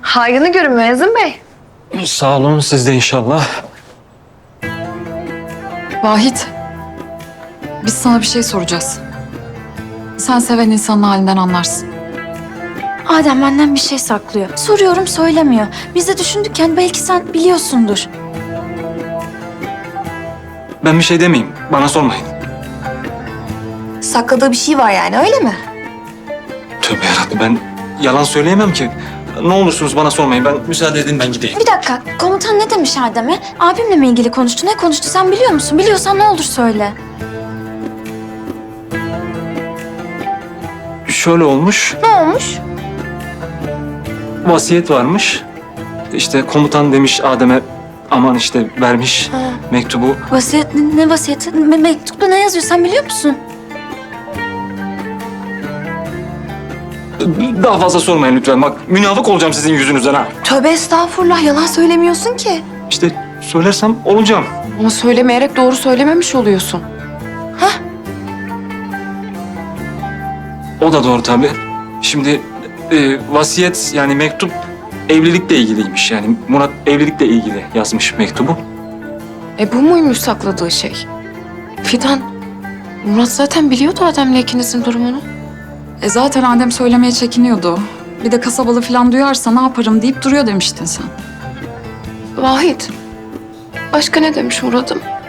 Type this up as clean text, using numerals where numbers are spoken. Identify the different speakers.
Speaker 1: Hayrını görün Müezzin Bey.
Speaker 2: Sağ olun, siz de inşallah.
Speaker 3: Vahit, biz sana bir şey soracağız. Sen seven insanın halinden anlarsın.
Speaker 4: Adem benden bir şey saklıyor. Soruyorum söylemiyor. Biz de düşündük yani belki sen biliyorsundur.
Speaker 2: Ben bir şey demeyeyim, bana sormayın.
Speaker 1: Sakladığı bir şey var yani, öyle mi?
Speaker 2: Tövbe yarabbim, ben yalan söyleyemem ki. Ne olursunuz bana sormayın, ben müsaade edin ben gideyim.
Speaker 4: Bir dakika, komutan ne demiş Adem'e? Abimle mi ilgili konuştu? Ne konuştu sen biliyor musun? Biliyorsan ne olur söyle.
Speaker 2: Şöyle olmuş,
Speaker 1: Ne olmuş?
Speaker 2: vasiyet varmış. İşte komutan demiş Adem'e, aman işte vermiş mektubu.
Speaker 4: Vasiyet, ne vasiyeti? Mektupta ne yazıyor sen biliyor musun?
Speaker 2: Daha fazla sormayın lütfen, bak münafık olacağım sizin yüzünüzden ha.
Speaker 1: Tövbe estağfurullah, yalan söylemiyorsun ki.
Speaker 2: İşte söylersem olacağım.
Speaker 3: Ama söylemeyerek doğru söylememiş oluyorsun.
Speaker 2: O da doğru tabii. Şimdi vasiyet yani mektup evlilikle ilgiliymiş. Yani Murat evlilikle ilgili yazmış mektubu.
Speaker 5: Bu muymuş sakladığı şey? Fidan, Murat zaten biliyordu Adem'le ikinizin durumunu.
Speaker 3: Zaten Adem söylemeye çekiniyordu. Bir de kasabalı falan duyarsa ne yaparım deyip duruyor demiştin sen.
Speaker 5: Vahit, başka ne demiş Murat'ım?